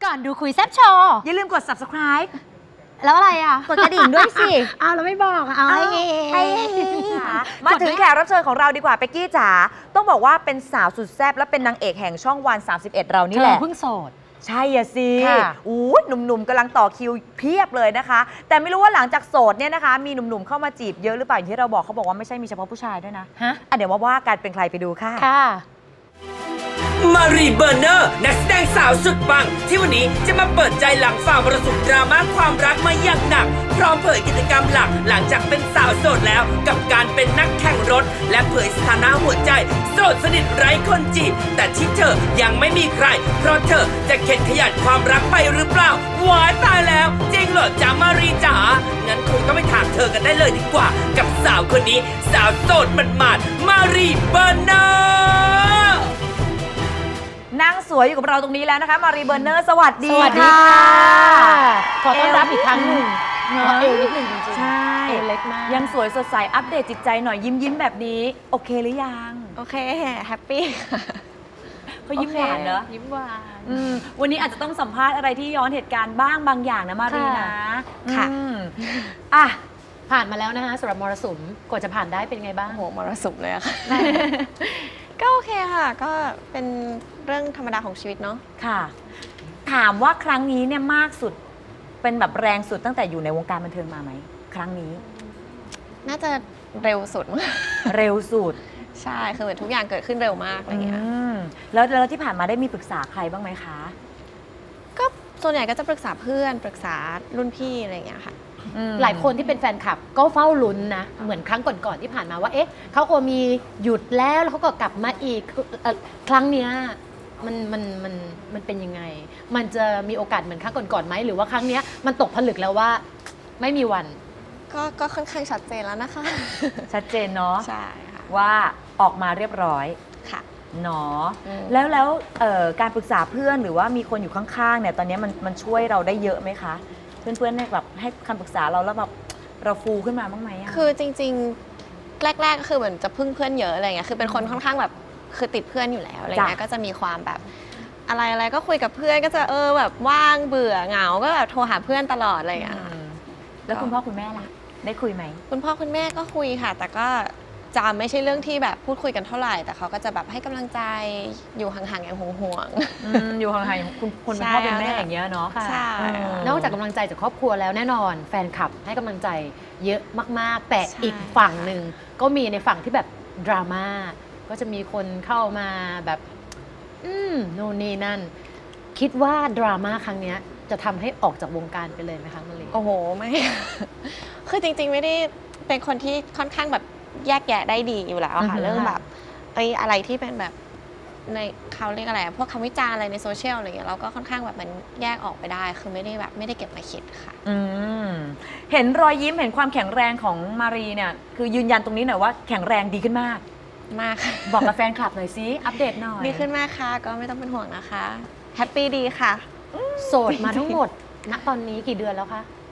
ก่อนดูคุยแซ่บโชว์อย่าลืมกด subscribe แล้วอะไรอ่ะกดกระดิ่งด้วยสิเอาแล้วไม่บอกเอาให้มาถึงแขกรับเชิญของเราดีกว่าเป๊กกี้จ๋าต้องบอกว่าเป็นสาวสุดแซ่บและเป็นนางเอกแห่งช่องวัน 31 เรานี่แหละเพิ่งโสดใช่อะสิค่ะหนุ่มๆกำลังต่อคิวเพียบเลยนะคะ แต่ไม่รู้ว่าหลังจากโสดเนี่ยนะคะ มีหนุ่มๆเข้ามาจีบเยอะหรือเปล่าอย่างที่เราบอกเขาบอกว่าไม่ใช่มีเฉพาะผู้ชายด้วยนะฮะเดี๋ยวมาว่ากันเป็นใครไปดูค่ะค่ะมารีเบอร์เนอร์นักแสดงสาวสุดปังที่วันนี้จะมาเปิดใจหลังฝ่ามรสุมดราม่าความรักมาอย่างหนัก พร้อมเผยกิจกรรมหลักหลังจากเป็นสาวโสดแล้ว กับการเป็นนักแข่งรถ และเผยสถานะหัวใจโสดสนิทไร้คนจีบแต่ที่เธอยังไม่มีใคร เพราะเธอจะเข็ดขยันความรักไปหรือเปล่าว้ายตายแล้วจริงเหรอจ๊ะมารีจ๋างั้นคงต้องไปถามเธอกันได้เลยดีกว่า กับสาวคนนี้สาวโสดหมาดๆมารีเบอร์เนอร์นั่งสวยอยู่กับเราตรงนี้แล้วนะคะ มารีเบอร์เนอร์สวัสดีสวัสดีค่ะค่ะขอต้อนรับอีกครั้งหนึ่งเอวเอวนิดหนึ่งจริงๆใช่เอวเล็กมากยังสวยสดใสอัปเดตจิตใจหน่อยยิ้มแบบนี้ โอเคหรือยังโอเคแฮปปี้เขายิ้มหวานเนอะยิ้มหวานวันนี้อาจจะต้องสัมภาษณ์อะไรที่ย้อนเหตุการณ์บ้างบางอย่างนะมารีนะค่ะอ่ะผ่านมาแล้วนะคะสำหรับมรสุมกว่าจะผ่านได้เป็นไงบ้างโอ้โหมรสุมเลยอะค่ะ ก็โอเคค่ะ ก็เป็นเรื่องธรรมดาของชีวิตเนาะค่ะ ถามว่าครั้งนี้เนี่ยมากสุดเป็นแบบแรงสุดตั้งแต่อยู่ในวงการบันเทิงมาไหมครั้งนี้น่าจะเร็วสุดมั้งเร็วสุดใช่ คือเหมือนทุกอย่างเกิดขึ้นเร็วมากอะไรเงี้ยแล้วที่ผ่านมาได้มีปรึกษาใครบ้างไหมคะก็ส่วนใหญ่ก็จะปรึกษาเพื่อน ปรึกษารุ่นพี่อะไรเงี้ยค่ะหลายคนที่เป็นแฟนคลับก็เฝ้าลุ้นนะ เหมือนครั้งก่อนๆที่ผ่านมาว่า เอ๊ะเขาก็มีหยุดแล้วเขาก็กลับมาอีกครั้งเนี้ยมันเป็นยังไง มันจะมีโอกาสเหมือนครั้งก่อนๆไหมหรือว่าครั้งเนี้ยมันตกผลึกแล้วว่าไม่มีวันก็ค่อนข้างชัดเจนแล้วนะคะชัดเจนเนาะใช่ค่ะว่าออกมาเรียบร้อยค่ะเนาะอืมแล้วการปรึกษาเพื่อนหรือว่ามีคนอยู่ข้างๆเนี่ยตอนนี้มันช่วยเราได้เยอะไหมคะ เพื่อนๆเนี่ยแบบให้คำปรึกษาเราแล้วแบบเราฟูขึ้นมาบ้างไหมอะคือจริงๆ แรกๆ ก็คือเหมือนจะพึ่งเพื่อนเยอะอะไรเงี้ย คือเป็นคนค่อนข้างแบบคือติดเพื่อนอยู่แล้วอะไรเงี้ย ก็จะมีความแบบอะไรก็คุยกับเพื่อนก็จะแบบว่างเบื่อเหงา ก็แบบโทรหาเพื่อนตลอดอะไรเงี้ยค่ะแล้วคุณพ่อคุณแม่ล่ะ ได้คุยไหมคุณพ่อคุณแม่ก็คุยค่ะ แต่ก็จะไม่ใช่เรื่องที่แบบพูดคุยกันเท่าไหร่ แต่เขาก็จะแบบให้กำลังใจอยู่ห่างๆอย่างห่วงอยู่ห่างๆคุณคนเป็นใช่พ่อเป็นแม่อย่างเงี้ยเนาะๆ ใช่นอกจากกำลังใจจากครอบครัวแล้วแน่นอนแฟนคลับให้กำลังใจเยอะมากๆ แต่ใช่อีกฝั่งหนึ่งก็มีในฝั่งที่แบบดราม่าก็จะมีคนเข้ามาแบบโน่นนี่นั่น คิดว่าดราม่าครั้งเนี้ยจะทำให้ออกจากวงการไปเลยไหมคะมะลิโอ้โห ไม่ คือจริงๆ ไม่ได้เป็นคนที่ค่อนข้างแบบแยกแยะได้ดีอยู่แล้วค่ะเรื่องแบบอะไรที่เป็นแบบในเขาเรียกอะไรพวกคำวิจารณ์อะไรในโซเชียลอะไรเงี้ยเราก็ค่อนข้างแบบมันแยกออกไปได้ คือไม่ได้เก็บมาคิดค่ะเห็นรอยยิ้มเห็นความแข็งแรงของมารีเนี่ยคือยืนยันตรงนี้หน่อยว่าแข็งแรงดีขึ้นมากมากค่ะบอกกับแฟนคลับหน่อยซิอัปเดตหน่อยดีขึ้นมากค่ะ ก็ไม่ต้องเป็นห่วงนะคะแฮปปี้ดีค่ะโสดมาทั้งหมด ณตอนนี้กี่เดือนแล้วคะ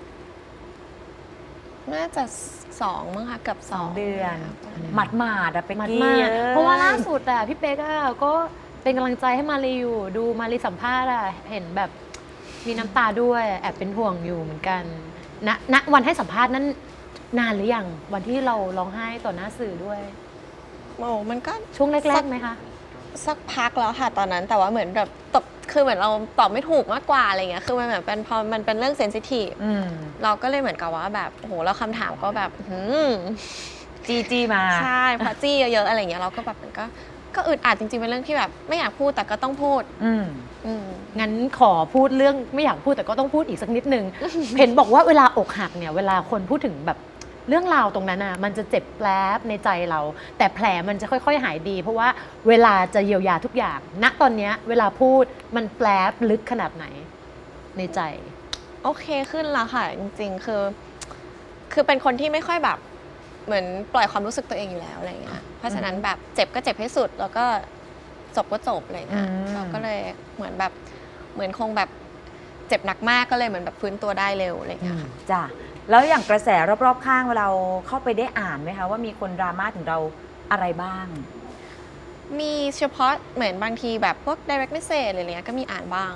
น่าจะ2มั้งค่ะเกือบ 2 2 เดือนหมาดๆอะเป็กมัดกี้มากเพราะว่าล่าสุดอะพี่เป๊กอะก็เป็นกำลังใจให้มารีอยู่ดูมารีสัมภาษณ์อะเห็นแบบมีน้ำตาด้วยแอบเป็นห่วงอยู่เหมือนกันณวันให้สัมภาษณ์นั้นนานหรือยังวันที่เราร้องไห้ต่อหน้าสื่อด้วยโอ้มันก็ช่วงแรกๆไหมคะสักพักแล้วค่ะตอนนั้นแต่ว่าเหมือนแบบคือเหมือนเราตอบไม่ถูกมากกว่าอะไรเงี้ยคือมันเหมือนเป็นพอมันเป็นเรื่องเซนซิทีฟเราก็เลยเหมือนกับว่าแบบโอ้โหแล้วคำถามก็แบบจีมาใช่พอจี้เยอะๆอะไรเงี้ยเราก็แบบมันก็อึดอัดจริงๆเป็นเรื่องที่แบบไม่อยากพูดแต่ก็ต้องพูดงั้นขอพูดเรื่องไม่อยากพูดแต่ก็ต้องพูดอีกสักนิดนึง เห็นบอกว่าเวลาอกหักเนี่ยเวลาคนพูดถึงแบบเรื่องราวตรงนั้นอ่ะมันจะเจ็บแผลบในใจเรา แต่แผลมันจะค่อยๆหายดี เพราะว่าเวลาจะเยียวยาทุกอย่างณตอนเนี้ยเวลาพูดมันแผลบลึกขนาดไหนในใจโอเคขึ้นแล้วค่ะจริงๆคือเป็นคนที่ไม่ค่อยแบบเหมือนปล่อยความรู้สึกตัวเองอยู่แล้วอะไรเงี้ยเพราะฉะนั้นแบบเจ็บก็เจ็บให้สุดแล้วก็จบก็จบอะไรเงี้ยเราก็เลยเหมือนคงแบบเจ็บหนักมากก็เลยเหมือนแบบฟื้นตัวได้เร็วอะไรเงี้ยค่ะจ้ะแล้วอย่างกระแสรอบๆข้างเราเข้าไปได้อ่านไหมคะว่ามีคนดราม่าถึงเราอะไรบ้างมีเฉพาะเหมือนบางทีแบบพวก direct message อะไรเงี้ยก็มีอ่านบ้างค่ะ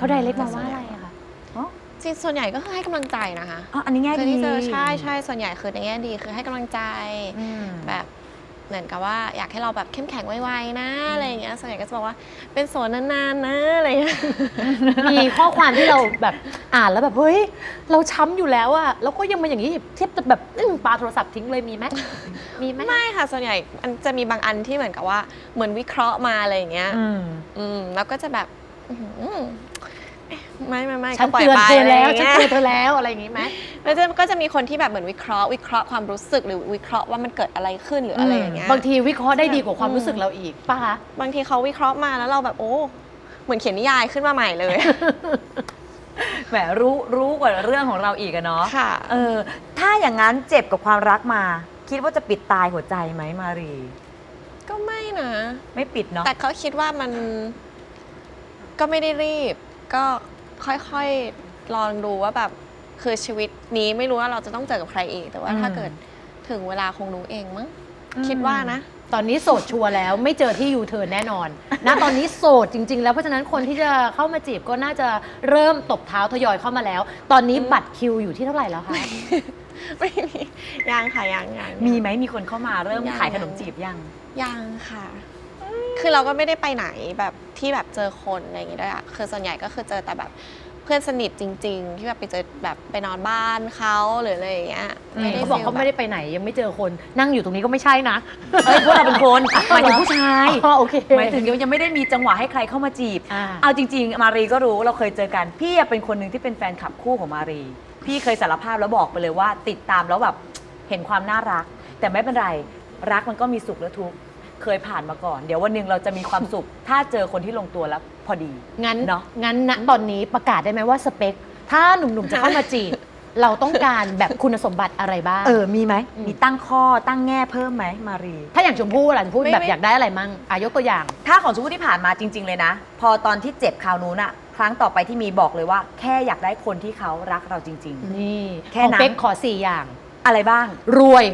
เขาไดเรกมาว่าอะไรอะคะจริงส่วนใหญ่ก็คือให้กำลังใจนะคะอ๋ออันนี้แง่คือดีที่เจอใช่ส่วนใหญ่คือในแง่ดีคือให้กำลังใจอืมแบบเหมือนกับว่าอยากให้เราแบบเข้มแข็งไวๆนะอะไรอย่างเงี้ยส่วนใหญ่ก็จะบอกว่าเป็นโสดนานๆนะอะไรอย่างเงี้ยมีข้อความที่เราแบบอ่านแล้วแบบเฮ้ยเราช้ำอยู่แล้วอะแล้วก็ยังมาอย่างนี้เทียบจะแบบปาโทรศัพท์ทิ้งเลยมีไหมมีไหมไม่ค่ะส่วนใหญ่มันจะมีบางอันที่เหมือนกับว่าเหมือนวิเคราะห์มาอะไรอย่างเงี้ย แล้วก็จะแบบอื้อหือไม่ฉันก็ปล่อยเตือนไปเธอแล้วอะไรฉันย่างเตืเงี้อย นเธอแล้วอะไรอย่างนี้ไหมแล้วก็จะมีคนที่แบบเหมือนวิเคราะห์ความรู้สึกหรือวิเคราะห์ว่ามันเกิดอะไรขึ้นหรืออะไรอย่างเงี้ยบางทีวิเคราะห์ได้ดีกว่าความรู้สึกเราอีกป่ะคะบางทีเขาวิเคราะห์มาแล้วเราแบบโอ้เหมือนเขียนนิยายขึ้นมาใหม่เลยแหมรู้กว่าเรื่องของเราอีกอะเนาะค่ะถ้าอย่างนั้นเจ็บกับความรักมา คิดว่าจะปิดตายหัวใจไหมมารีก็ไม่นะไม่ปิดเนาะแต่เขาคิดว่ามันก็ไม่ได้รีบ ก็ค่อยๆลองดูว่าแบบคือชีวิตนี้ไม่รู้ว่าเราจะต้องเจอกับใครอีก แต่ว่าถ้าเกิดถึงเวลาคงรู้เองมั้งคิดว่านะตอนนี้โสดชัวร์แล้วไม่เจอที่ยูเทิร์นแน่นอนนะตอนนี้โสดจริง ๆ แล้วเพราะฉะนั้นคนที่จะเข้ามาจีบก็น่าจะเริ่มตบเท้าทยอยเข้ามาแล้ว ตอนนี้บัตรคิวอยู่ที่เท่าไหร่แล้วคะไม่มียังค่ะยังมีไหมมีคนเข้ามาเริ่มยังขายขนมจีบยังยังค่ะ คือเราก็ไม่ได้ไปไหนแบบที่แบบเจอคนอะไรอย่างงี้ด้วยอะคือส่วนใหญ่ก็คือเจอแต่แบบเพื่อนสนิทจริง ๆ ที่แบบไปเจอแบบไปนอนบ้านเขาหรืออะไรอย่างเงี้ยไม่ได้เขาบอกฟีลเขาไม่ได้ไปไหนยังไม่เจอคนนั่งอยู่ตรงนี้ก็ไม่ใช่นะเอ้ยพวกเราเป็นคนหมายถึงผู้ชายอ๋อโอเคหมายถึงยังไม่ได้มีจังหวะให้ใครเข้ามาจีบอ่าเอาจริง ๆ มารีก็รู้เราเคยเจอกัน พี่เป็นคนหนึ่งที่เป็นแฟนคลับคู่ของมารี พี่เคยสารภาพแล้วบอกไปเลยว่า ติดตามแล้วแบบเห็นความน่ารัก แต่ไม่เป็นไร รักมันก็มีสุขและทุกข์เคยผ่านมาก่อน เดี๋ยววันหนึ่งเราจะมีความสุข ถ้าเจอคนที่ลงตัวแล้วพอดีงั้นเนอะงั้นณตอนนี้ประกาศได้ไหมว่าสเปค ถ้าหนุ่มๆจะเข้ามาจีบ เราต้องการแบบคุณสมบัติอะไรบ้างมีไหมมีตั้งข้อตั้งแง่เพิ่มไหมมารีถ้าอย่างชมพู่ล่ะชมพู่แบบอยากได้อะไรมั่งยกตัวอย่างถ้าของชมพู่ที่ผ่านมาจริง ๆ เลยนะ พอตอนที่เจ็บคราวนู้นอะครั้งต่อไปที่มีบอกเลยว่า แค่อยากได้คนที่เขารักเราจริงนี่แค่ของนั้นเป๊กขอ 4 อย่างๆ อะไรบ้างรวย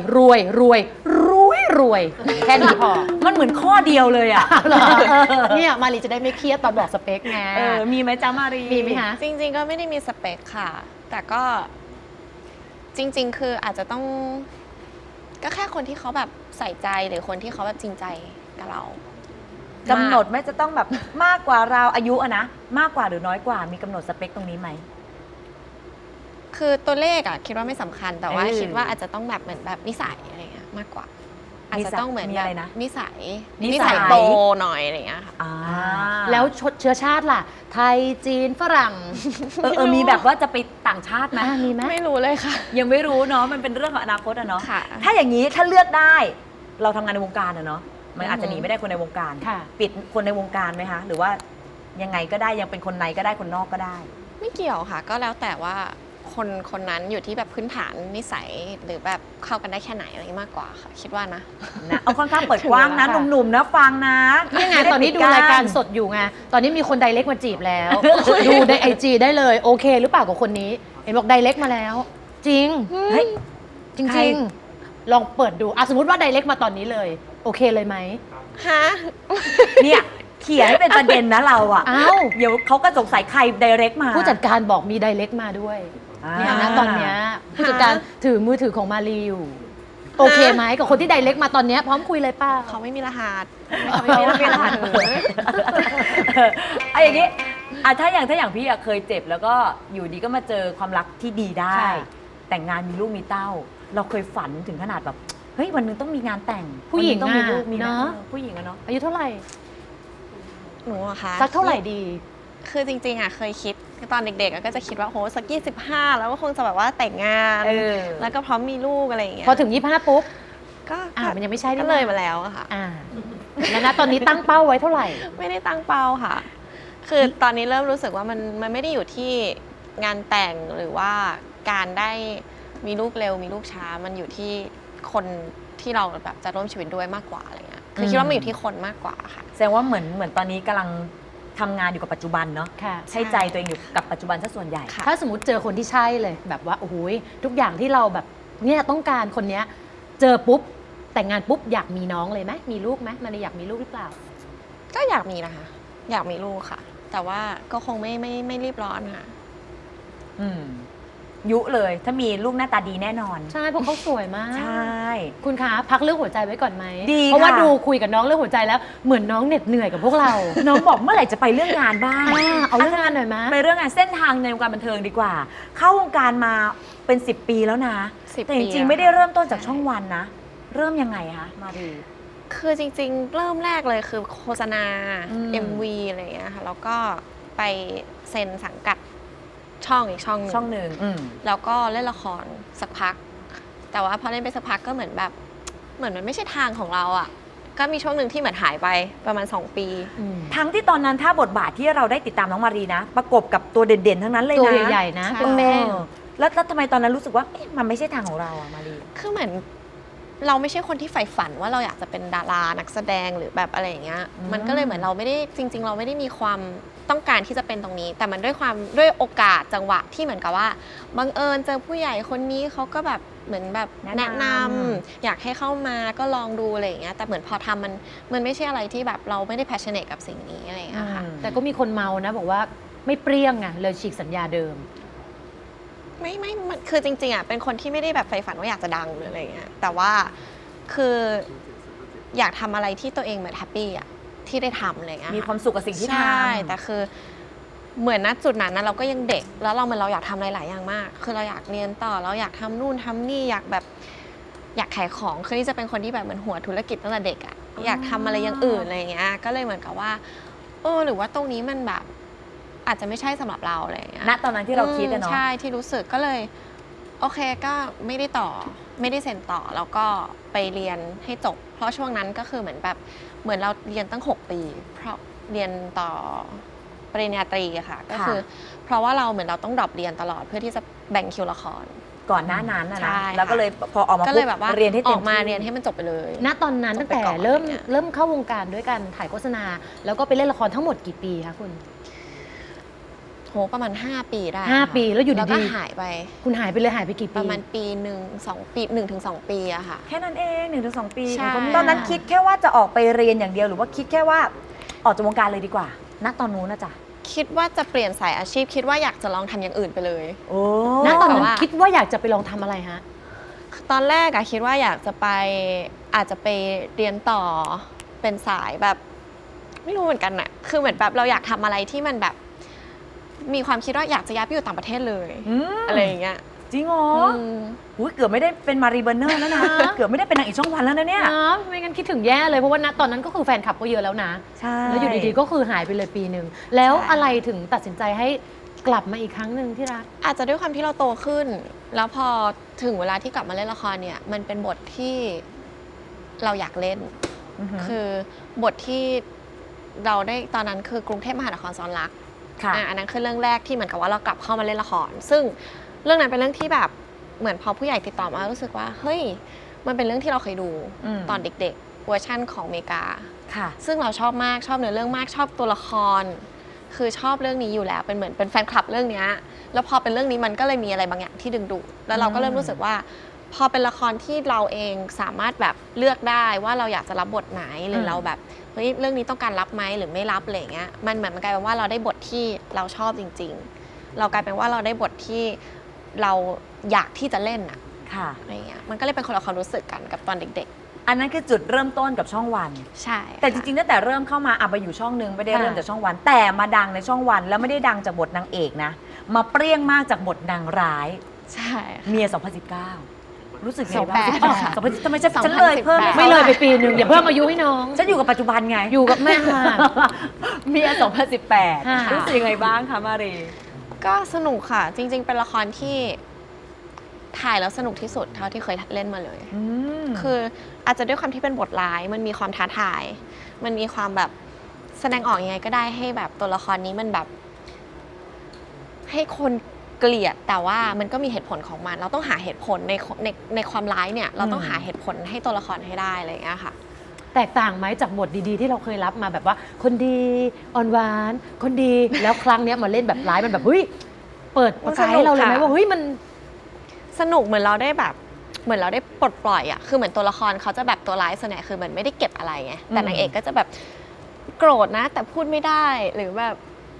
แค่นี้พอมันเหมือนข้อเดียวเลยอะเหรอเนี่ยมารีจะได้ไม่เครียดตอนบอกสเปคไงมีไหมจ๊ะมารีมีไหมคะจริง ๆ ก็ไม่ได้มีสเปคค่ะ แต่ก็จริง ๆ คืออาจจะต้องก็แค่คนที่เขาแบบใส่ใจหรือคนที่เขาแบบจริงใจกับเรากำหนดไหมจะต้องแบบมากกว่าเราอายุอะนะมากกว่าหรือน้อยกว่ามีกำหนดสเปคตรงนี้ไหมคือตัวเลขอะคิดว่าไม่สำคัญแต่ว่าเออคิดว่าอาจจะต้องแบบเหมือนแบบนิสัยอะไรเงี้ยมากกว่า อาจจะต้องเหมือนมีแบอะบไรนะนิสัยนิสัยโตหน่อยอะไรเงี้ยค่ะอ่าแล้วเชื้อชาติล่ะ ไทยจีนฝรั่งมีแบบว่าจะไปต่างชาติไหมมีไหมไม่รู้เลยค่ะยังไม่รู้เนาะมันเป็นเรื่องของอนาคตอะเนาะค่ะถ้าอย่างนี้ถ้าเลือกได้เราทำงานในวงการอะเนาะมันอาจจะหนีไม่ได้คนในวงการค่ะปิดคนในวงการไหมคะหรือว่ายังไงก็ได้ยังเป็นคนในก็ได้คนนอกก็ได้ไม่เกี่ยวค่ะ ก็แล้วแต่ว่าคนนั้นอยู่ที่แบบพื้นฐานนิสัยหรือแบบเข้ากันได้แค่ไหนอะไรมากกว่าค่ะ คิดว่านะนะเอาค่อนข้างเปิดกว้างนะถึงเวลาหนุ่มๆนะฟังนะนี่ไงม่ตอนนี้ดูปิรายการสดอยู่ไง ตอนนี้มีคนไดเรกมาจีบแล้ว ดูในไอจได้เลย โอเคหรือเปล่ากับคนนี้ เห็นบอกไดเรกมาแล้ว จริงเฮ้ยจริงใครๆ ลองเปิดดูสมมติว่าไดเรกมาตอนนี้เลย โอเคเลยไหมฮะเนี่ยเขียนให้เป็นประเด็นนะเราอะอ้าวเดี๋ยวเขาก็สงสัยใครไดเรกมาผู้จัดการบอกมีไดเรกมาด้วย เนี่ยนะตอนเนี้ยผู้จัดการถือมือถือของมารีอยู่โอเคไหมกับคนที่ไดเรกมาตอนเนี้ยพร้อมคุยเลยป้าเขาไม่มีรหัสเขาไม่มีรหัสไอ้อย่างนี้ถ้าอย่างพี่อะเคยเจ็บแล้วก็อยู่ดีก็มาเจอความรักที่ดีได้ค่ะแต่งงานมีลูกมีเต้า เราเคยฝันถึงขนาดแบบเฮ้ยวันหนึงต้องมีงานแต่งผู้หญิงวันนึ่ต้องมีลูกอะมีเนอะผู้หญิงอะเนาะอายุเท่าไหร่หนูอะคะสักเท่าไหร่ดีคือจริงๆอะเคยคิดตอนเด็กๆอะก็จะคิดว่าโหสัก25แล้วก็คงจะแบบว่าแต่งงาน แล้วก็พร้อมมีลูกอะไรอย่างเงี้ยพอถึง25ปุ๊บก็มันยังไม่ใช่ก็นี่เลยมาแล้วอะค่ะแล้วนะตอนนี้ตั้งเป้าไว้เท่าไหร่ไม่ได้ตั้งเป้าค่ะ คือตอนนี้เริ่มรู้สึกว่ามันไม่ได้อยู่ที่งานแต่งหรือว่าการได้มีลูกเร็วมีลูกช้า มันอยู่ที่คนที่เราแบบจะร่วมชีวิตด้วยมากกว่าอะไรเงี้ย คือคิดว่ามันอยู่ที่คนมากกว่าค่ะแสดงว่าเหมือนตอนนี้กำลังทำงานอยู่กับปัจจุบันเนาะค่ะใช้ใจตัวเองอยู่กับปัจจุบันซะส่วนใหญ่ค่ะถ้าสมมติเจอคนที่ใช่เลยแบบว่าโอ้โหทุกอย่างที่เราแบบเนี่ยต้องการคนเนี้ยเจอปุ๊บแต่งงานปุ๊บอยากมีน้องเลยไหมมีลูกไหมมันอยากมีลูกหรือเปล่าก็อยากมีนะคะ อยากมีลูกค่ะแต่ว่าก็คงไม่รีบร้อนค่ะยุเลยถ้ามีลูกหน้าตาดีแน่นอนใช่เพราะเขาสวยมากใช่คุณคะพักเรื่องหัวใจไว้ก่อนไหมดีเพราะว่าค่ะดูคุยกับน้องเรื่องหัวใจแล้วเหมือนน้องเหน็ดเหนื่อยกับพวกเราน้องบอกเมื่อไหร่จะไปเรื่องงานบ้างเอาเรื่องงานหน่อยไหมไปเรื่องงานเส้นทางในวงการบันเทิงดีกว่า เข้าวงการมาเป็น10 ปีแล้วนะ 10 แต่จปีริงๆอะไม่ได้เริ่มต้นจากช่องวันนะ เริ่มยังไงคะมารีคือจริงๆ เริ่มแรกเลยคือโฆษณา MV อะไรอย่างเงี้ยค่ะแล้วก็ไปเซ็นสังกัดช่องอีกช่องหนึ่งช่องหนึ่งแล้วก็เล่นละครสักพัก แต่ว่าพอเล่นไปสักพักก็เหมือนแบบเหมือนมันไม่ใช่ทางของเราอ่ะก็มีช่วงหนึ่งที่เหมือนหายไปประมาณ2 ปีทั้งที่ตอนนั้นถ้าบทบาทที่เราได้ติดตามน้องมารีนะ ประกบกับตัวเด่นๆ ทั้งนั้นเลยนะตัวใหญ่ๆนะใช่เป็นแม่งแล้วทำไมตอนนั้นรู้สึกว่าเอ๊ะมันไม่ใช่ทางของเราอะมารีคือเหมือนเราไม่ใช่คนที่ใฝ่ฝันว่าเราอยากจะเป็นดารานักแสดงหรือแบบอะไรอย่างเงี้ย มันก็เลยเหมือนเราไม่ได้จริง ๆ เราไม่ได้มีความต้องการที่จะเป็นตรงนี้ แต่มันด้วยโอกาสจังหวะที่เหมือนกับว่าบังเอิญเจอผู้ใหญ่คนนี้เขาก็แบบเหมือนแบบแนะนำอยากให้เข้ามาก็ลองดูอะไรอย่างเงี้ยแต่เหมือนพอทำมันไม่ใช่อะไรที่แบบเราไม่ได้ passionate กับสิ่งนี้อะไรอย่างเงี้ยค่ะแต่ก็มีคนเมานะบอกว่าไม่เปรี้ยงไงเลยฉีกสัญญาเดิมไม่มันคือจริงๆอ่ะเป็นคนที่ไม่ได้แบบใฝ่ฝันว่าอยากจะดังหรืออะไรเงี้ยแต่ว่าคืออยากทำอะไรที่ตัวเองเหมือนแฮปปี้อ่ะที่ได้ทำอะไรเงี้ยมีความสุขกับสิ่งที่ทำใช่แต่คือเหมือนณจุดนั้นนะเราก็ยังเด็กแล้วเราอยากทำหลายๆอย่างมาก คือเราอยากเรียนต่อเราอยากทำนู่นทำนี่อยากแบบอยากขายของคือนี่จะเป็นคนที่แบบเหมือนหัวธุรกิจตั้งแต่เด็กอ่ะอยากทำอะไรอย่างอื่นอะไรเงี้ยก็เลยเหมือนกับว่าหรือว่าตรงนี้มันแบบอาจจะไม่ใช่สำหรับเราอะไรเงี้ยณตอนนั้นที่เราคิดอะเนาะใช่ที่รู้สึกก็เลยโอเคก็ไม่ได้เซ็นต่อแล้วก็ไปเรียนให้จบ เพราะช่วงนั้นก็คือเหมือนแบบเหมือนเราเรียนตั้ง6 ปี เพราะเรียนต่อปริญญาตรีอะค่ะก็คือเพราะว่าเราเหมือนเราต้องดรอปเรียนตลอดเพื่อที่จะแบ่งคิวละครก่อนหน้านั้นอะใช่นะค่ะแล้วก็เลยพอออกมาก็เลยแบบว่าเรียนให้อเต็อมกมาที่เรียนให้มันจบไปเลยณตอนนั้นจตั้บงไปแต่ก่อนเริ่มอะไรเงี้ยเริ่มเข้าวงการด้วยกันถ่ายโฆษณา แล้วก็ไปเล่นละครทั้งหมดกี่ปีคะคุณโหประมาณ5 ปีได้ 5 ปีแล้วอยู่แล้วก็ดีหายไปๆคุณหายไปเลยหายไปกี่ปีประมาณปีหนึ่ง2 ปี1 ถึง 2 ปีอะค่ะแค่นั้นเอง1-2 ปีใช่ตอนนั้นคิดแค่ว่าจะออกไปเรียนอย่างเดียวหรือว่าคิดแค่ว่าออกจากวงการเลยดีกว่า ณตอนนู้นนะจ๊ะคิดว่าจะเปลี่ยนสายอาชีพคิดว่าอยากจะลองทำอย่างอื่นไปเลยโอ้ณตอนนั้นแต่ว่าคิดว่าอยากจะไปลองทำอะไรฮะตอนแรกอะคิดว่าอยากจะไปอาจจะไปเรียนต่อเป็นสายแบบไม่รู้เหมือนกันอะคือเหมือนแบบเราอยากทำอะไรที่มันแบบมีความคิดว่าอยากจะย้ายไปอยู่ต่างประเทศเลย อะไรอย่างเงี้ยจริงเหรอมอุ๊ยเกือบไม่ได้เป็นมารีเบอร์เนอร์แล้วนะ เกือบไม่ได้เป็นนางเอกช่องวันแล้วนะเนี่ยนะไม่งั้นคิดถึงแย่เลยเพราะว่าณตอนนั้นก็คือแฟนคลับก็เยอะแล้วนะใช่แล้วอยู่ดีๆก็คือหายไปเลยปีหนึ่งแล้วอะไรถึงตัดสินใจให้กลับมาอีกครั้งหนึ่งที่รักอาจจะด้วยความที่เราโตขึ้น แล้วพอถึงเวลาที่กลับมาเล่นละครเนี่ย มันเป็นบทที่เราอยากเล่นอือฮึคือบทที่เราได้ตอนนั้นคือกรุงเทพมหานครซ้อนรักค่ะอันนั้นคือเรื่องแรกที่เหมือนกับว่าเรากลับเข้ามาเล่นละคร ซึ่งเรื่องนั้นเป็นเรื่องที่แบบเหมือนพอผู้ใหญ่ติดต่อมารู้สึกว่าเฮ้ยมันเป็นเรื่องที่เราเคยดูอืมตอนเด็กๆเวอร์ชั่นของอเมริกาค่ะซึ่งเราชอบมากชอบเนื้อเรื่องมากชอบตัวละคร คือชอบเรื่องนี้อยู่แล้วเป็นเหมือนเป็นแฟนคลับเรื่องเนี้ยแล้วพอเป็นเรื่องนี้มันก็เลยมีอะไรบางอย่างที่ดึงดูดแล้วเราก็เริ่มรู้สึกว่า พอเป็นละครที่เราเองสามารถแบบเลือกได้ว่าเราอยากจะรับบทไหนหรือเราแบบเฮ้ยเรื่องนี้ต้องการรับไหมหรือไม่รับอะไรอย่างเงี้ยมันเหมือนมันกลายเป็นว่าเราได้บทที่เราชอบจริง ๆ เรากลายเป็นว่าเราได้บทที่เราอยากที่จะเล่นอะค่ะอะไรเงี้ยมันก็เลยเป็นคนละความรู้สึกกันกับตอนเด็กอันนั้นคือจุดเริ่มต้นกับช่องวันๆ ใช่แต่จริงๆตั้งแต่เริ่มเข้ามาไปอยู่ช่องหนึ่งไม่ได้ค่ะเริ่มจากช่องวัน แต่มาดังในช่องวัน แล้วไม่ได้ดังจากบทนางเอกนะ มาเปรี้ยงมากจากบทนางร้ายใช่เมีย 2019 รู้สึกไงบ้าง 28ค่ะทำไมฉันเลยเพิ่มให้ไม่เขาเลยไปปีหนึ่งอย่าเพิ่มอายุให้น้องฉันอยู่กับปัจจุบันไงอยู่กับแม่ค่ะเมีย 2018 ค่ะรู้สึกยังไงบ้างคะมารีก็สนุกค่ะ จริง ๆ เป็นละครที่ถ่ายแล้วสนุกที่สุดเท่าที่เคยเล่นมาเลย คืออาจจะด้วยความที่เป็นบทร้ายมันมีความท้าทาย มันมีความแบบแสดงออกยังไงก็ได้ให้แบบตัวละครนี้มันแบบ ให้คนเกลียดแต่ว่ามันก็มีเหตุผลของมัน เราต้องหาเหตุผลในความร้ายเนี่ย เราต้องหาเหตุผลให้ตัวละครให้ได้อะไรอย่างเงี้ยค่ะแตกต่างไหมจากบทดีๆ ที่เราเคยรับมาแบบว่า คนดีอ่อนหวาน คนดีแล้วครั้งเนี้ยมาเล่นแบบร้ายมันแบบเฮ้ยเปิดประกายให้เราเลยไหมสนุกค่ะว่าเฮ้ยมันสนุกเหมือนเราได้แบบเหมือนเราได้ปลดปล่อยอะคือเหมือนตัวละครเขาจะแบบตัวร้ายส่วนใหญ่คือเหมือนไม่ได้เก็บอะไรไงแต่นางเอกก็จะแบบโกรธนะ แต่พูดไม่ได้หรือแบบ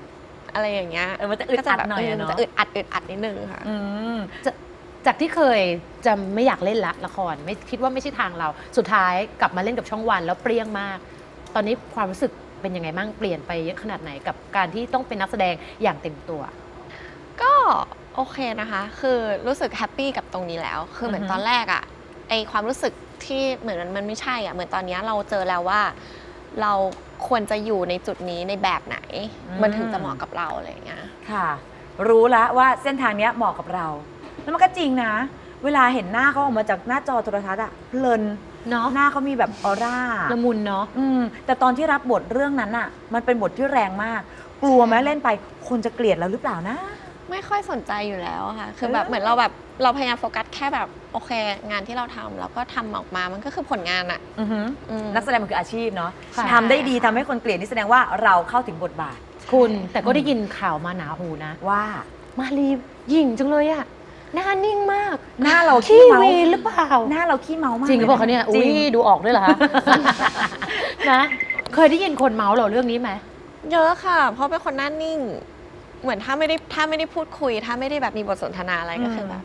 อะไรอย่างเงี้ยมันจะอึดอัดหน่อยมันเนาะจะอึดอัดนิดนึงค่ะจากที่เคยจะไม่อยากเล่นละครไม่คิดว่าไม่ใช่ทางเรา สุดท้ายกลับมาเล่นกับช่องวันแล้วเปรี้ยงมาก ตอนนี้ความรู้สึกเป็นยังไงบ้างเปลี่ยนไปเยอะขนาดไหนกับการที่ต้องเป็นนักแสดงอย่างเต็มตัวก็โอเคนะคะ คือรู้สึกแฮปปี้กับตรงนี้แล้ว คือเหมือนตอนแรกอะไอความรู้สึกที่เหมือนมันไม่ใช่อะเหมือนตอนนี้เราเจอแล้วว่า เราควรจะอยู่ในจุดนี้ในแบบไหน มันถึงจะเหมาะกับเราอะไรอย่างเงี้ยค่ะ รู้แล้วว่าเส้นทางเนี้ยเหมาะกับเรา แล้วมันก็จริงนะ เวลาเห็นหน้าเขาออกมาจากหน้าจอโทรทัศน์อะเพลินเนาะหน้าเขามีแบบออร่าละมุนเนาะแต่ตอนที่รับบทเรื่องนั้นอะมันเป็นบทที่แรงมาก กลัวไหมเล่นไปคนจะเกลียดเราหรือเปล่านะไม่ค่อยสนใจอยู่แล้วค่ะ คือแบบเหมือนเราพยายามโฟกัสแค่แบบโอเค งานที่เราทำแล้วก็ทำออกมา มันก็คือผลงานอะนักแสดงมันคืออาชีพเนาะค่ะทำได้ดีทำให้คนเกลียดนี่แสดงว่าเราเข้าถึงบทบาทคุณแต่ก็ได้ยินข่าวมาหนาหูนะว่ามารีหยิ่งจังเลยอะหน้านิ่งมากหน้าเราขี้เมาวีนหรือเปล่าหน้าเราขี้เมามากจริงหรือเปล่าคะเนี่ยจริอุ้งยดูออกด้วยเหรอคะ นะเคยได้ยินคนเมาส์เราเรื่องนี้ไหมเยอะค่ะ เพราะเป็นคนหน้านิ่ง เหมือนถ้าไม่ได้พูดคุย ถ้าไม่ได้แบบมีบทสนทนาอะไรก็คือแบบ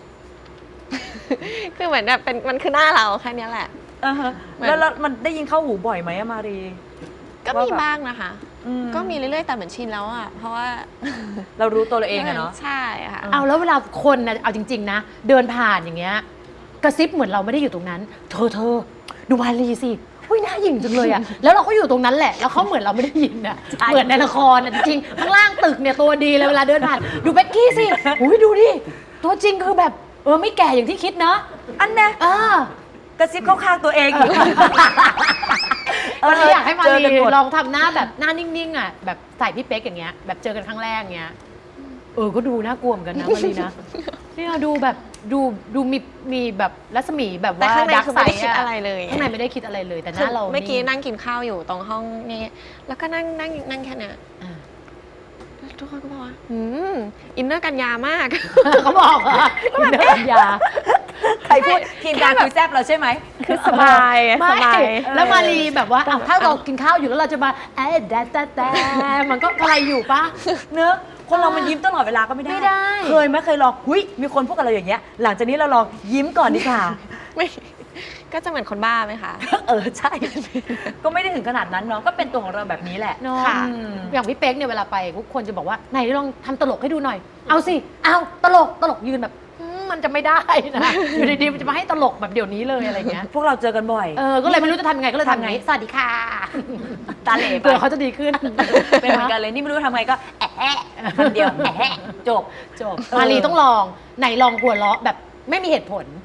คือเหมือนแบบมันคือหน้าเราแค่เนี้ยแหละแล้วมันได้ยินเข้าหูบ่อยไหมอะมารีก็ว่ามีแบบบ้างนะคะ ก็มีเรื่อยๆแต่เหมือนชินแล้วอะเพราะว่าเรารู้ตัวเราเองอะเนาะใช่ค่ะเอาแล้วเวลาคนนะเอาจริง ๆ นะ เดินผ่านอย่างเงี้ยกระซิบเหมือนเราไม่ได้อยู่ตรงนั้น เธอดูมารีสิอุ้ยหน้าหยิ่งจังเลยอะแล้วเราก็อยู่ตรงนั้นแหละ แล้วเขาเหมือนเราไม่ได้ยินอะใช่เหมือนในละครอะจริงๆข้างล่างตึกเนี่ยตัวดีเลยเวลาเดินผ่านดูเบ็กกี้สิอุ้ยดูดิตัวจริงคือแบบไม่แก่อย่างที่คิดเนาะอันเนี้ย กระซิบเข้าข้างตัวเองอีกวันนี้อยากให้มาเจอรีกันหมดลองทำหน้าแบบหน้านิ่งๆอะแบบใส่พี่เป๊กอย่างเงี้ยแบบเจอกันครั้งแรกเงี้ยก็ดูน่ากลัวเหมือนกันนะมารีนะเนี่ยดูแบบดูมีแบบรัศมีแบบแต่ว่าข้างในดักคือไซไม่ได้ด์คิดอะไรเลยข้างในไม่ได้คิดอะไรเลยแต่หคือน้าเราเมื่อกี้นั่งกินข้าวอยู่ตรงห้องนี้แล้วก็นั่งแค่เนี้ยอ่าทุกคนก็บอกว่าอินเนอร์กันยามากเขาบอกเหรออินเนอร์ปัญญาใครพูดทีมงานคุยแซบเราใช่ไหมคือสบายสไม่บายแล้วมารีแบบว่าถ้าเรากินข้าวอยู่แล้วเราจะมาแต่มันก็อะไรอยู่ปะเนอะคนเรามันยิ้มตลอดเวลาก็ไม่ได้ไม่ได้เคยลองมีคนพูดกับเราอย่างเงี้ย หลังจากนี้เราลองยิ้มก่อนดีกว่าไม่ก็จะเหมือนคนบ้าไหมคะใช่ ก็ไม่ได้ถึงขนาดนั้นเนาะก็เป็นตัวของเราแบบนี้แหละเนาะค่ะอย่างพี่เป๊กเนี่ยเวลาไปทุกคนจะบอกว่าไหนลองทำตลกให้ดูหน่อย เอาสิเอาตลกยืนแบบมันจะไม่ได้นะอยู่ดีๆมันจะมาให้ตลกแบบเดี๋ยวนี้เลยอะไรเงี้ยพวกเราเจอกันบ่อยก็เลยไม่รู้จะทำยังไงก็เลยทำทำไงไงสวัสดีค่ะตาเหล่ไปเผื่อเขาจะดีขึ้นเป็นเหมือนกันเลยนี่ไม่รู้ทำไงก็แอะคำเดียวแอะจบจบมารีต้องลองไหนลองหัวเราะแบบไม่มีเหตุผล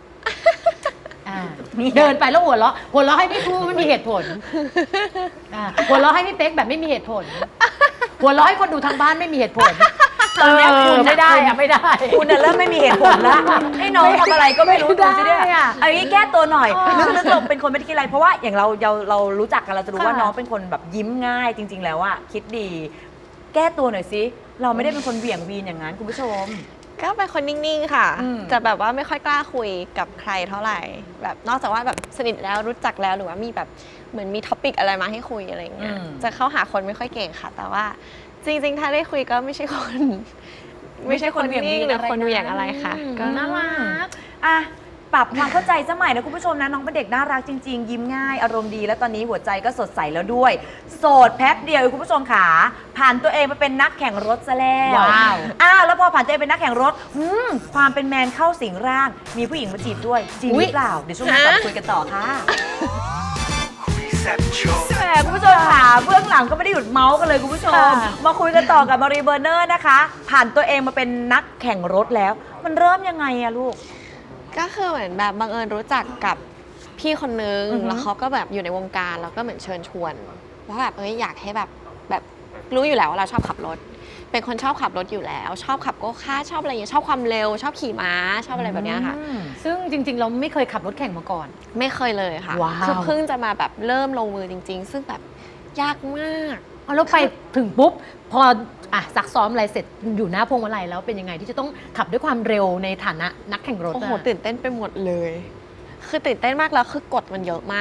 เดินไปแล้วหัวเราะให้พี่พูไม่มีเหตุผลหัวเราะให้พี่เป๊กแบบไม่มีเหตุผล หัวเราะให้คนดูทางบ้านไม่มีเหตุผลตอนเนี้ยคุณไม่ได้อะไม่ได้คุณน่ะเริ่มไม่มีเหตุผลแล้วให้น้องทำอะไรก็ไม่รู้ไม่ได้ดูสิเนี่ยอะอันนี้แก้ตัวหน่อยอ๋อลึกๆเราเป็นคนไม่ได้คิดอะไรเพราะว่าอย่างเรารู้จักกันเราจะรู้ว่าค่ะน้องเป็นคนแบบยิ้มง่ายจริง ๆ แล้วอะคิดดี แก้ตัวหน่อยสิเราไม่ได้เป็นคนเหวี่ยงวีนอย่างนั้นคุณผู้ชมก็เป็นคนนิ่งๆค่ะอืมจะแบบว่าไม่ค่อยกล้าคุยกับใครเท่าไหร่ แบบนอกจากว่าแบบสนิทแล้วรู้จักแล้วหรือว่ามีแบบเหมือนมีท็อปิกอะไรมาให้คุยอะไรอย่างเงี้ย จะเข้าหาคนไม่ค่อยเก่งค่ะ แต่ว่าจริงๆ ถ้าได้คุยก็ไม่ใช่คน ไม่ใช่คนนิ่งหรือคนเหวี่ยงอะไรค่ะ ก็น่ารักอ่ะปรับความเข้าใจสมัยนะคุณผู้ชมนะน้องเป็นเด็กน่ารักจริง ๆ ยิ้มง่ายอารมณ์ดีแล้วตอนนี้หัวใจก็สดใสแล้วด้วย โสดแป๊บเดียวคุณผู้ชมขาผ่านตัวเองมาเป็นนักแข่งรถซะแล้วว้าวแล้วพอผ่านตัวเองเป็นนักแข่งรถความเป็นแมนเข้าสิงร่าง มีผู้หญิงมาจีบด้วยจริงหรือเปล่าเดี๋ยวช่วงหน้ากลับคุยกันต่อค่ะแหมคุณผู้ชมค่ะเบื้องหลังก็ไม่ได้หยุดเมาส์กันเลยคุณผู้ชมค่ะมาคุยกันต่อกับมารีเบอร์เนอร์นะคะ ผ่านตัวเองมาเป็นนักแข่งรถแล้ว มันเริ่มยังไงอะลูกก็คือเหมือนแบบบังเอิญรู้จักกับพี่คนนึงอือฮึแล้วเขาก็แบบอยู่ในวงการแล้วก็เหมือนเชิญชวนว่าแบบอยากให้แบบรู้อยู่แล้วว่าเราชอบขับรถ เป็นคนชอบขับรถอยู่แล้ว ชอบขับโกคาร์ทชอบอะไรอย่างเงี้ยชอบความเร็ว ชอบขี่ม้าชอบอะไรแบบเนี้ยค่ะซึ่งจริง ๆ เราไม่เคยขับรถแข่งมาก่อนไม่เคยเลยค่ะว้าวคือเพิ่งจะมาแบบเริ่มลงมือจริง ๆ ซึ่งแบบยากมากเอาแล้วไปถึงปุ๊บ พอซักซ้อมอะไรเสร็จอยู่หน้าพวงมาลัยแล้วเป็นยังไงที่จะต้องขับด้วยความเร็วในฐานะนักแข่งรถโอ้โหอะตื่นเต้นไปหมดเลย คือตื่นเต้นมากแล้วคือกฎมันเยอะมาก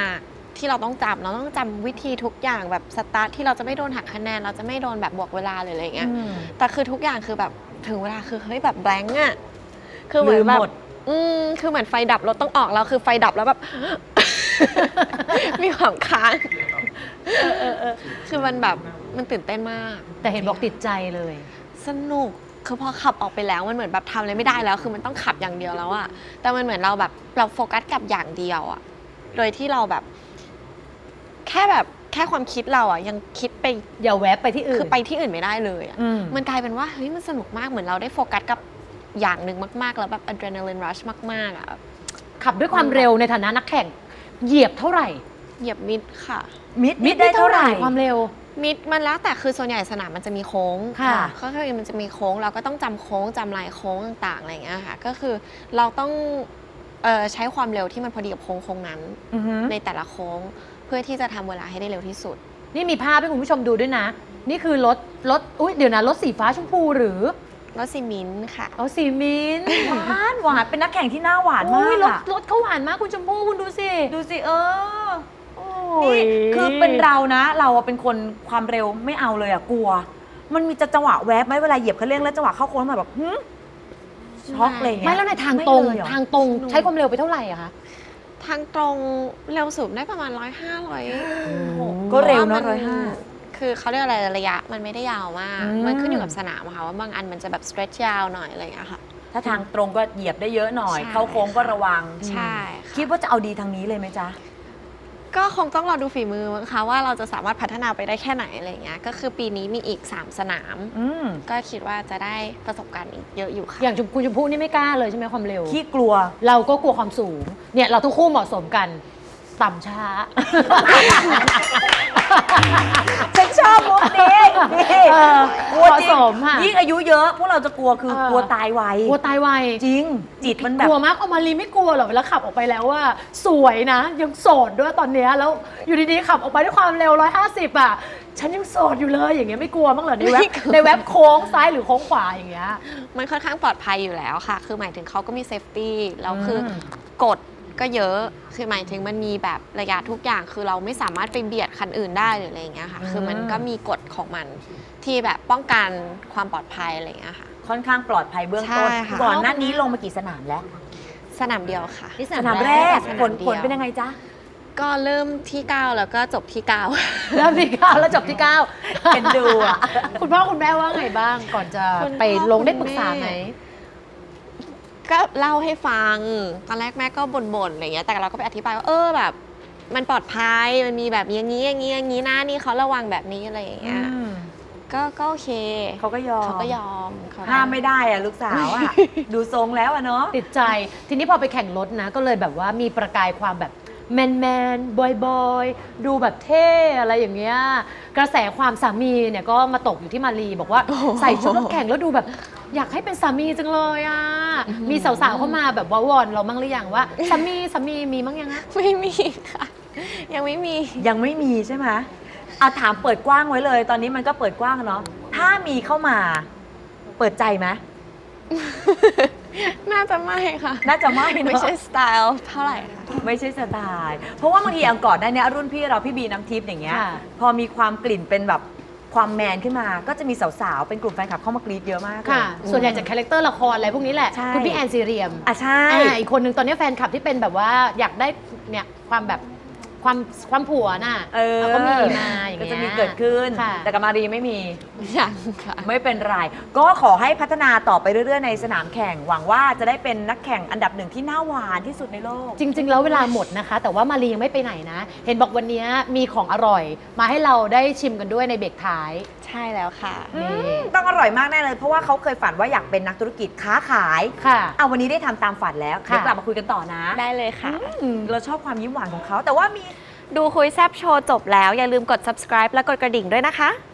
ที่เราต้องจำวิธีทุกอย่างแบบสตาร์ทที่เราจะไม่โดนหักคะแนนเราจะไม่โดนแบบบวกเวลาเลยอะไรเงี้ยแต่คือทุกอย่างคือแบบถึงเวลาคือเฮ้ยแบบแบงค์อะคือเหมือนแบบคือเหมือนไฟดับรถต้องออกแล้วคือไฟดับแล้วแบบ มีความค้างคือมันแบบมันตื่นเต้นมากแต่เห็นบอกติดใจเลยสนุกคือพอขับออกไปแล้วมันเหมือนแบบทำอะไรไม่ได้แล้วคือมันต้องขับอย่างเดียวแล้วอะแต่มันเหมือนเราแบบเราโฟกัสกับอย่างเดียวอะโดยที่เราแบบแค่ความคิดเราอะยังคิดไปอย่าแวบไปที่อื่นคือไปที่อื่นไม่ได้เลยอะมันกลายเป็นว่าเฮ้ยมันสนุกมากเหมือนเราได้โฟกัสกับอย่างหนึ่งมากๆแล้วแบบอะดรีนาลินรัชมากๆอะขับด้วยความเร็วในฐานะนักแข่งเหยียบเท่าไหร่เหยียบมิดค่ะมิดได้เท่าไหร่ความเร็วมิดมันแล้วแต่คือส่วนใหญ่สนามมันจะมีโค้งค่ะก็คือมันจะมีโค้งเราก็ต้องจำโค้งจำลายโค้งต่างๆอะไรอย่างเงี้ยค่ะก็คือเราต้องใช้ความเร็วที่มันพอดีกับโค้งนั้นในแต่ละโค้งเพื่อที่จะทำเวลาให้ได้เร็วที่สุดนี่มีภาพให้คุณผู้ชมดูด้วยนะ นี่คือรถอุ๊ยเดี๋ยวนะรถสีฟ้าชมพูหรือรถซีมิ้นท์ค่ะเอาสีมิ้นท์หวานเป็นนักแข่งที่หน้าหวานมาอุ๊ยกรถเขาหวานมากคุณชมพู่คุณดูสิดูสิโอ้ยนี่คือเป็นเรานะเราอะเป็นคนความเร็วไม่เอาเลยอะกลัว มันมีจังหวะแวบไหมเวลาเหยียบคันเร่งแล้วจังหวะเข้าโค้งมาแบบช็อกเลยเงี้ยไม่แล้วในทางตรงไม่เลยเหอทางตรงใช้ความเร็วไปเท่าไหร่อะคะทางตรงเร็วสุดได้ประมาณ105 ก็เร็วนะพาะา 105 คือเขาเรียกอะไรระยะมันไม่ได้ยาวมาก มันขึ้นอยู่กับสนามอะค่ะว่าบางอันมันจะแบบ stretch ยาวหน่อยอะไรอย่างเงี้ยค่ะถ้าทางตรงก็เหยียบได้เยอะหน่อยใช่เข้าโค้งก็ระวังใช่ค่ะคิดว่าจะเอาดีทางนี้เลยไหมจ๊ะก็คงต้องรอดูฝีมือมั้งคะว่าเราจะสามารถพัฒนาไปได้แค่ไหนอะไรอย่างเงี้ยก็คือปีนี้มีอีก3สนาม ก็คิดว่าจะได้ประสบการณ์อีกเยอะอยู่ค่ะอย่างคุณชมพู่นี่ไม่กล้าเลยใช่ไหมความเร็วขี้กลัวเราก็กลัวความสูง เนี่ยเราทั้งคู่เหมาะสมกัน ต่ำช้าฉันชอบมุกนี้นี่เออกลัวจริเหมาะสมค่ะยิ่งอายุเยอะพวกเราจะกลัวคือกลัวตายไวกลัวตายไวจริง จิตมันแบบกลัวมากเอามารีไม่กลัวหรอกเวลาขับออกไปแล้วว่าสวยนะ ยังโสดด้วยตอนเนี้ยแล้วอยู่ดีๆขับออกไปด้วยความเร็ว150อ่ะฉันยังโสดอยู่เลยอย่างเงี้ยไม่กลัวบ้างเหรอในเว็บไม่กลัวในเว็บโค้งซ้ายหรือโค้งขวาอย่างเงี้ยมันค่อนข้างปลอดภัยอยู่แล้วค่ะ คือหมายถึงเขาก็มีเซฟตี้แล้วคือกฎก็เยอะ คือหมายถึงมันมีแบบระยะทุกอย่าง คือเราไม่สามารถไปเบียดคันอื่นได้หรืออะไรอย่างเงี้ยค่ะ คือมันก็มีกฎของมันที่แบบป้องกันความปลอดภัยอะไรอย่างเงี้ยค่ะค่อนข้างปลอดภัยเบื้องต้นใช่ค่ะก่อนหน้านี้ลงมากี่สนามแล้วสนามเดียวค่ะนี่สนามแรกสนามผลเดียวผลเป็นยังไงจ๊ะก็เริ่มที่ 9 แล้วก็จบที่ 9 เริ่มที่9แล้วจบที่9 เป็นดูอะคุณพ่อคุณแม่ว่าไงบ้างก่อนจะคุณพ่อไปลงได้คุณปรึกษาไหมแม่ ก็เล่าให้ฟัง ตอนแรกแม่ก็บ่นๆอะไรเงี้ย แต่เราก็ไปอธิบายว่าแบบ มันปลอดภัย มันมีแบบอย่างนี้อย่างนี้อย่างนี้นะนี่เขาระวังแบบนี้อะไรอย่างเงี้ย ก็โอเคเขาก็ยอมเขาก็ยอมเขก็ห้ามไม่ได้อะลูกสาวอะ ดูทรงแล้วอะเนาะติดใจทีนี้พอไปแข่งรถนะ ก็เลยแบบว่ามีประกายความแบบแมนบอยดูแบบเท่อะไรอย่างเงี้ยกระแสความสามีเนี่ยก็มาตกอยู่ที่มารีบอกว่าใส่ชุดรถแข่งแล้วดูแบบอยากให้เป็นสามีจังเลยอ่ะมีสาวๆเข้ามาแบบว่าวอนเรามั่งหรือยังว่าสามีมีมั่งยังอะไม่มีค่ะ ยังไม่มียังไม่มีใช่ไหมถามเปิดกว้างไว้เลย ตอนนี้มันก็เปิดกว้างเนาะ ถ้ามีเข้ามา เปิดใจไหมน่าจะไม่ค่ะน่าจะไม่เนอะไม่ใช่สไตล์เท่าไหร่ค่ะไม่ใช่สไตล์ เพราะว่าบางทีอังก่อนได้เนี่ยรุ่นพี่เราพี่บีน้ำทิพย์อย่างเงี้ยค่ะพอมีความกลิ่นเป็นแบบความแมนขึ้นมา ก็จะมีสาวๆ เป็นกลุ่มแฟนคลับเข้ามากรี๊ดเยอะมากเลยค่ะ ส่วนใหญ่จากคาแรคเตอร์ละครอะไรพวกนี้แหละใช่คุณพี่แอนซีเรียมใช่อีกคนนึงตอนนี้แฟนคลับที่เป็นแบบว่าอยากได้เนี่ยความแบบความผัวน่ะก็ก็มีมาอย่างก็เงี้ยจะมีเกิดขึ้นค่ะแต่กับมารีไม่มียังค่ะไม่เป็นไร ก็ขอให้พัฒนาต่อไปเรื่อยๆ ในสนามแข่ง หวังว่าจะได้เป็นนักแข่งอันดับหนึ่งที่น่าหวานที่สุดในโลกจริง ๆ แล้วเวลาหมดนะคะ แต่ว่ามารียังไม่ไปไหนนะ เห็นบอกวันนี้มีของอร่อย มาให้เราได้ชิมกันด้วยในเบรกท้ายใช่แล้วค่ะนี่ต้องอร่อยมากแน่เลย เพราะว่าเขาเคยฝันว่าอยากเป็นนักธุรกิจค้าขายค่ะเอาวันนี้ได้ทำตามฝันแล้วค่ะเดี๋ยวกลับมาคุยกันต่อนะได้เลยค่ะเราชอบความยิ้มหวานของเขา แต่ว่ามีดูคุยแซบโชว์จบแล้ว อย่าลืมกด subscribe และกดกระดิ่งด้วยนะคะ